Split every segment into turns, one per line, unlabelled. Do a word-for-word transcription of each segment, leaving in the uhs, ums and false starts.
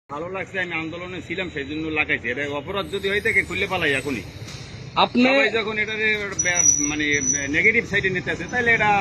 ভালো লাগছে, আমি আন্দোলনে ছিলাম সেই জন্য লাগাইছি। এটা অপরাধ যদি হয়ে থাকে খুললে পালাই এখনই।
আপনি
সবাই যখন এটা মানে নেগেটিভ সাইডে নিতে আছে তাহলে এটা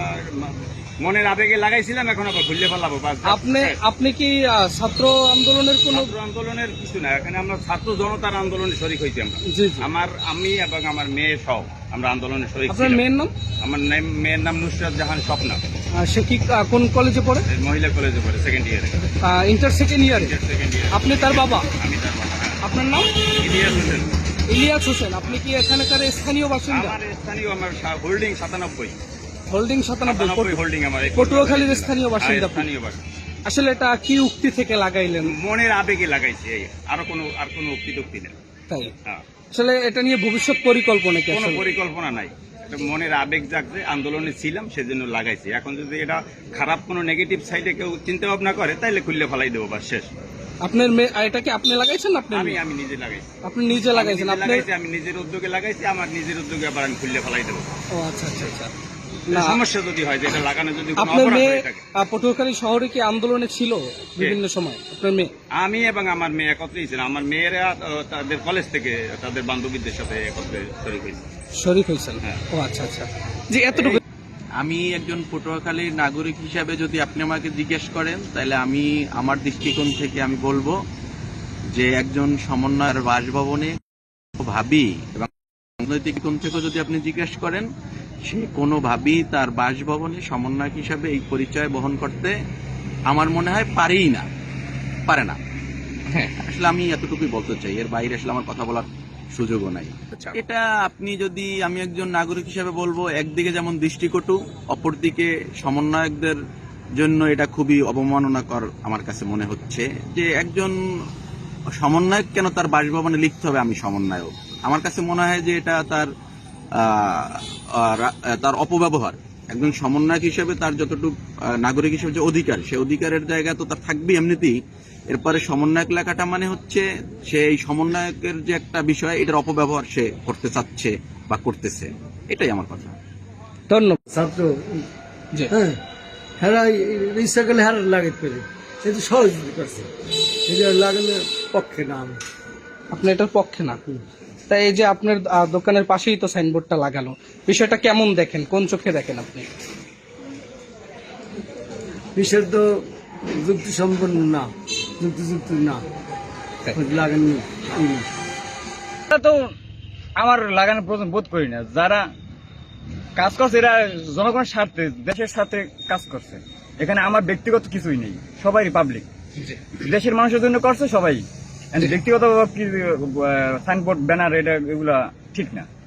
মনের আবেগে লাগাইছিলাম, এখন আবার খুললে পালাবো।
আপনি আপনি কি আহ, ছাত্র আন্দোলনের কোন
ছাত্র আন্দোলনের কিছু না, এখানে আমরা ছাত্র জনতার আন্দোলনে শরিক হয়েছি। আমরা
জি জি।
আমার আমি এবং আমার মেয়ে সহ আমরা আন্দোলনে শরিক।
আপনার মেয়ের নাম?
আমার নাম- মেয়ের নাম নুসরাত জাহান স্বপ্না।
আহ, সে কি আহ, কোন কলেজে পড়ে?
মহিলা কলেজে পড়ে, সেকেন্ড ইয়ারে।
ইন্টার সেকেন্ড ইয়ারে।
Second year.
আপনি তার বাবা?
আমি তার বাবা। হ্যাঁ।
আপনার নাম?
ইলিয়াস হোসেন।
ইলিয়াস হোসেন। আপনি কি এখানকার স্থানীয় বাসিন্দা?
আমার স্থানীয়, আমার হোল্ডিং সাতানব্বই।
হোল্ডিং সাতানব্বই।
সাতানব্বই হোল্ডিং আমার।
পটুয়াখালীর স্থানীয় বাসিন্দা।
হ্যাঁ, স্থানীয় বাসিন্দা।
আসলে এটা কি উক্তি থেকে লাগাইলেন?
মনের আবেগে লাগাইছে, এই আরো কোনো আর কোনো উক্তি টুক্তি নেই।
তাই?
হ্যাঁ।
আসলে এটা নিয়ে ভবিষ্যৎ পরিকল্পনা কি?
কোনো
আসলে
পরিকল্পনা নাই, এটা মনের আবেগ জাগছে, আন্দোলনে ছিলাম সেজন্য লাগাইছি। এখন যদি এটা খারাপ কোনো নেগেটিভ সাইডে কেউ চিন্তা ভাবনা করে তাহলে খুললে ফেলাই দেবো, বাস শেষ।
আপনার মেয়ে এটা কি আপনি লাগাইছেন? আপনি
আমি আমি নিজে লাগাইছি।
আপনি নিজে লাগাইছেন?
আমি
আপনি
লাগাইছি, আমি নিজের উদ্যোগে লাগাইছি। আমার নিজের উদ্যোগে আবার আমি খুললে ফেলাই দেবো।
ও আচ্ছা আচ্ছা আচ্ছা।
সমস্যা যদি হয় যে এটা লাগানো যদি কোনো
আপনার
অপরাধ
মেয়ে
হয়ে থাকে।
আহ, পটুয়াখালী শহরে কি আন্দোলনে ছিল বিভিন্ন সময়? আপনার মেয়ে?
আমি এবং আমার মেয়ে একত্রেই ছিলাম। আমার মেয়েরা আহ, তাদের কলেজ থেকে তাদের বান্ধবীদের সাথে একত্রে শরীর হয়েছে।
শরীক হয়েছেন?
হ্যাঁ।
ও আচ্ছা আচ্ছা। জি, এতটুকু।
আমি একজন পটুয়াখালীর নাগরিক হিসাবে যদি আপনি আমাকে জিজ্ঞেস করেন তাহলে আমি আমার দৃষ্টিকোণ থেকে আমি বলবো যে একজন সমন্বয়ের বাসভবনে ভাবি এবং রাজনৈতিক কোণ থেকে যদি আপনি জিজ্ঞেস করেন, সে কোনোভাবেই তার বাসভবনে সমন্বয়ক হিসাবে এই পরিচয় বহন করতে আমার মনে হয় পারেই না, পারে না। হ্যাঁ, আসলে আমি এতটুকুই বলতে চাই, এর বাইরে আসলে আমার কথা বলার সুযোগও নাই। এটা আপনি যদি, আমি একজন নাগরিক হিসেবে বলবো, একদিকে যেমন দৃষ্টিকটু, অপরদিকে সমন্বয়কদের জন্য এটা খুবই অবমাননাকর আমার কাছে মনে হচ্ছে যে একজন সমন্বয়ক কেন তার বাসভবনে লিখতে হবে আমি সমন্বয়ক। আমার কাছে মনে হয় যে এটা তার তার অপব্যবহার। একজন সমন্বয়ক হিসেবে তার যতটুকু নাগরিক হিসেবে যে অধিকার, সে অধিকারের জায়গা তো তার থাকবেই এমনিতেই। এরপরে সমন্বয়ক লেখাটা মানে হচ্ছে সে এই সমন্বয়কের যে একটা বিষয়, এটার অপব্যবহার সে করতে চাচ্ছে বা করতেছে, এটাই আমার কথা।
ধন্যবাদ।
ছাত্র
জি।
হ্যাঁ, হেরা ইচ্ছা করলে হেরা লাগাইতে পারে, কিন্তু সহযোগিতা করছে, এটা লাগানোর পক্ষে না আমি।
আপনি এটার পক্ষে না? তাই এই যে আপনার আহ, দোকানের পাশেই তো সাইনবোর্ডটা লাগানো, বিষয়টা কেমন দেখেন? কোন চোখে দেখেন আপনি?
বিষয় তো যুক্তি সম্পন্ন না, যুক্তিযুক্ত না, লাগানো
এটা তো আমার লাগানোর প্রয়োজন বোধ করি না। যারা কাজ করছে এরা জনগণের স্বার্থে, দেশের স্বার্থে কাজ করছে। এখানে আমার ব্যক্তিগত কিছুই নেই, সবাই পাবলিক, দেশের মানুষের জন্য করছে সবাই। ব্যক্তিগত সাইনবোর্ড, ব্যানার, এটা এগুলা ঠিক না।